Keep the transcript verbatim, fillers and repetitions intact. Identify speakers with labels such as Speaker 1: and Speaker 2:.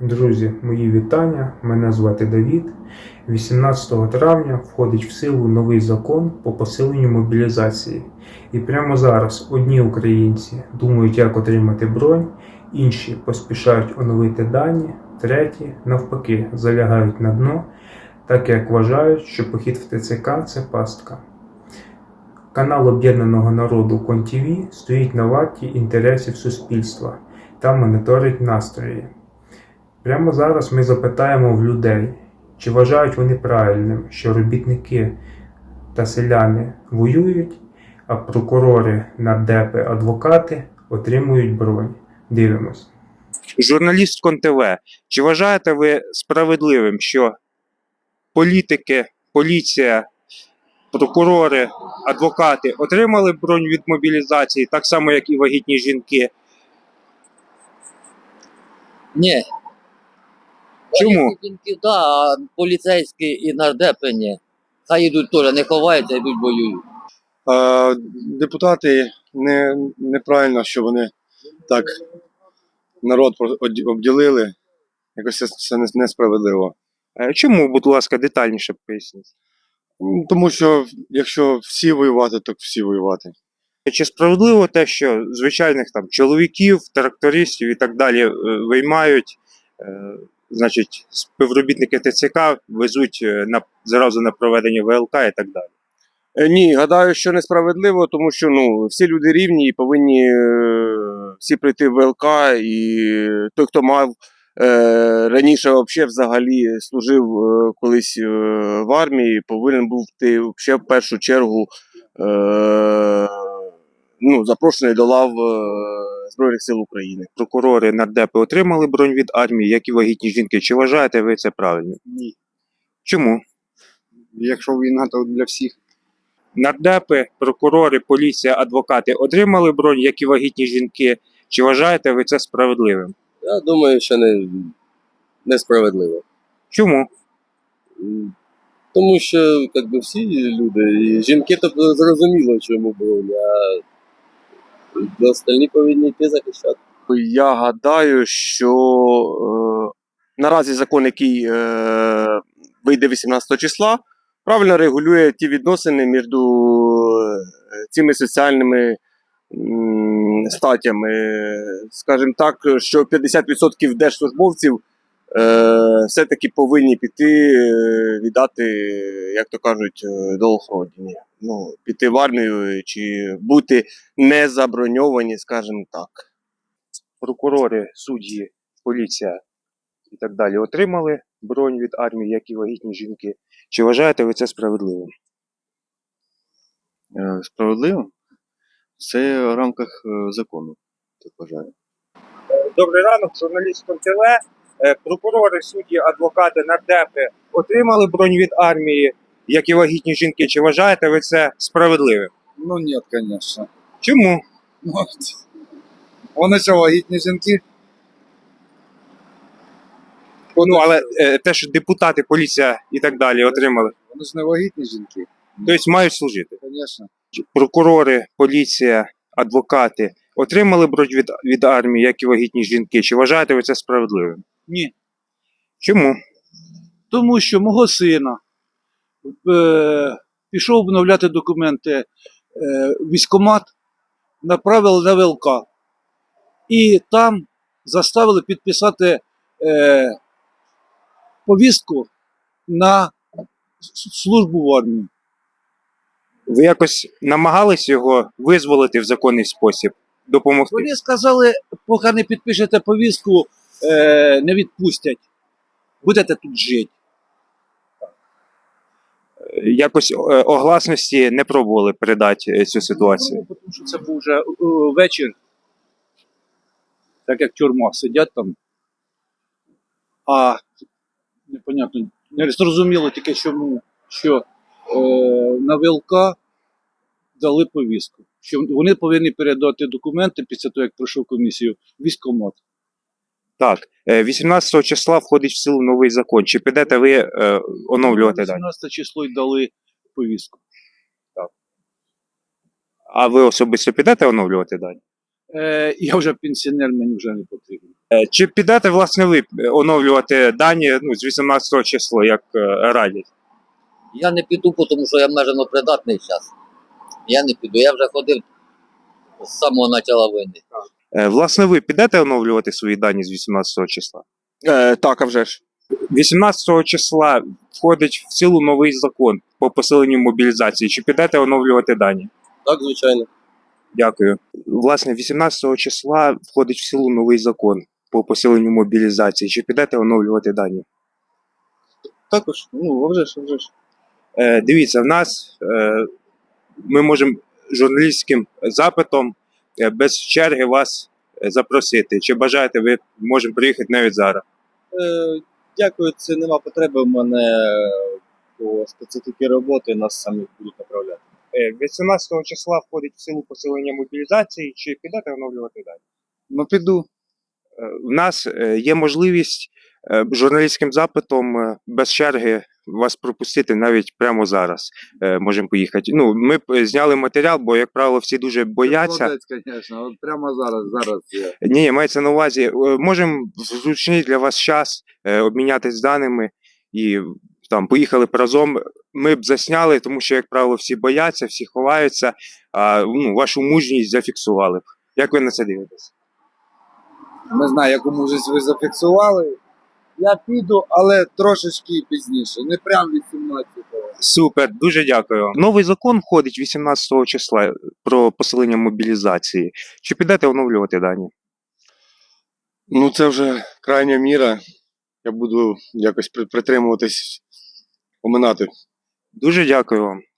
Speaker 1: Друзі, мої вітання. Мене звати Давід. вісімнадцятого травня входить в силу новий закон по посиленню мобілізації. І прямо зараз одні українці думають, як отримати бронь, інші поспішають оновити дані, треті, навпаки, залягають на дно, так як вважають, що похід в ТЦК – це пастка. Канал Об'єднаного народу КонТВ стоїть на варті інтересів суспільства та моніторить настрої. Прямо зараз ми запитаємо в людей, чи вважають вони правильним, що робітники та селяни воюють, а прокурори, нардепи, адвокати отримують бронь. Дивимось.
Speaker 2: Журналіст КонТВ, чи вважаєте ви справедливим, що політики, поліція, прокурори, адвокати отримали бронь від мобілізації, так само, як і вагітні жінки?
Speaker 3: Ні.
Speaker 2: Чому?
Speaker 3: Жінки, да, а поліцейські і нардепи ні. Хай йдуть теж, не ховаються, йдуть воюють.
Speaker 4: А депутати не, неправильно, що вони так народ обділили. Якось це, це несправедливо.
Speaker 2: Чому, будь ласка, детальніше поясніть?
Speaker 4: Тому що якщо всі воювати, то всі воювати.
Speaker 2: Чи справедливо те, що звичайних там чоловіків, трактористів і так далі виймають, е, значить, співробітники ТЦК везуть на, зразу на проведення ВЛК і так далі?
Speaker 4: Ні, гадаю, що несправедливо, тому що ну, всі люди рівні і повинні е, всі прийти в ВЛК, і той, хто мав е, раніше вообще, взагалі служив е, колись е, в армії, повинен був ти ще в першу чергу е, ну, запрошений до лав е, Збройних сил України.
Speaker 2: Прокурори, нардепи отримали бронь від армії, як і вагітні жінки. Чи вважаєте ви це правильно?
Speaker 5: Ні.
Speaker 2: Чому?
Speaker 5: Якщо війна, то для всіх.
Speaker 2: Нардепи, прокурори, поліція, адвокати отримали бронь, як і вагітні жінки. Чи вважаєте ви це справедливим?
Speaker 6: Я думаю, що не, несправедливо.
Speaker 2: Чому?
Speaker 6: Тому що як би, всі люди, і жінки то зрозуміло, чому бронь, а остальні повинні йти захищати.
Speaker 4: Я гадаю, що е, наразі закон, який е, вийде вісімнадцятого числа, правильно регулює ті відносини між цими соціальними м, статтями. Скажімо так, що п'ятдесят відсотків держслужбовців е, все-таки повинні піти, е, віддати, як то кажуть, долг родині. Ну, піти в армію чи бути не заброньовані, скажімо так.
Speaker 2: Прокурори, судді, поліція і так далі отримали бронь від армії, як і вагітні жінки. Чи вважаєте ви це справедливим?
Speaker 7: Справедливо? Це в рамках закону, так вважаю.
Speaker 2: Добрий ранок, журналіст КонТВ. Прокурори, судді, адвокати, нардепи отримали бронь від армії, як і вагітні жінки. Чи вважаєте ви це справедливим?
Speaker 5: Ну ні, звісно.
Speaker 2: Чому?
Speaker 5: Ну, вони що, вагітні жінки?
Speaker 2: Ну, але е, те, що депутати, поліція і так далі отримали,
Speaker 5: Вони ж не вагітні жінки.
Speaker 2: тобто мають служити.
Speaker 5: Звісно.
Speaker 2: Прокурори, поліція, адвокати отримали бронь від, від армії, як і вагітні жінки. Чи вважаєте ви це справедливим?
Speaker 8: Ні.
Speaker 2: Чому?
Speaker 8: Тому що мого сина е, пішов обновляти документи е, військкомат, направили на ВЛК. І там заставили підписати е, повістку на службу в армії.
Speaker 2: Ви якось намагались його визволити в законний спосіб, допомогти?
Speaker 8: Вони сказали, поки не підпишете повістку, е, не відпустять. Будете тут жити.
Speaker 2: Якось е, огласності не пробували передати е, цю ситуацію?
Speaker 8: Ну, тому що це був вже е, вечір, так як тюрма, сидять там. А непонятно, не зрозуміло тільки чому, що е, на ВЛК дали повістку. Що вони повинні передати документи після того, як пройшов комісію, в військкомат.
Speaker 2: Так. Е, вісімнадцятого числа входить в силу новий закон. Чи підете ви е, оновлювати дані?
Speaker 8: вісімнадцяте число й дали повістку.
Speaker 2: А ви особисто підете оновлювати дані?
Speaker 8: Е, я вже пенсіонер, мені вже не потрібно.
Speaker 2: Е, Чи підете, власне, ви оновлювати дані ну, з вісімнадцятого числа, як е, радять?
Speaker 3: Я не піду, тому що я межено придатний зараз. Я не піду. Я вже ходив з самого початку війни.
Speaker 2: Е, Власне, ви підете оновлювати свої дані з вісімнадцятого числа?
Speaker 4: Е, так, а вже ж.
Speaker 2: вісімнадцятого числа входить в силу новий закон по посиленню мобілізації. Чи підете оновлювати дані?
Speaker 6: Так, звичайно.
Speaker 2: Дякую. Власне, вісімнадцятого числа входить в силу новий закон по посиленню мобілізації. Чи підете оновлювати дані?
Speaker 7: Також, ну, а вже ж, а вже ж.
Speaker 2: Е, дивіться, в нас е, ми можемо журналістським запитом е, без черги вас е, запросити. Чи бажаєте, ви можемо приїхати навіть зараз.
Speaker 7: Е, дякую, це нема потреби. У мене по специфіки роботи нас самі будуть направляти.
Speaker 2: Е, вісімнадцятого числа входить в силу посилення мобілізації. Чи підете оновлювати дані?
Speaker 5: Ну піду.
Speaker 2: Е, В нас е, є можливість е, журналістським запитом е, без черги вас пропустити навіть прямо зараз. Е, Можемо поїхати. Ну, ми б е, зняли матеріал, бо, як правило, всі дуже бояться.
Speaker 5: Молодець, звісно. От прямо зараз, зараз я.
Speaker 2: Ні, мається на увазі, е, можемо в зручний для вас час е, обмінятися даними і там поїхали б разом. Ми б засняли, тому що, як правило, всі бояться, всі ховаються, а ну, вашу мужність зафіксували б. Як ви на це дивитесь?
Speaker 5: Не знаю, яку мужність ви зафіксували. Я піду, але трошечки пізніше. Не прям вісімнадцятого.
Speaker 2: Супер, дуже дякую. Новий закон входить вісімнадцятого числа про посилення мобілізації. Чи підете оновлювати дані?
Speaker 4: Ну, це вже крайня міра. Я буду якось при- притримуватись, оминати.
Speaker 2: Дуже дякую вам.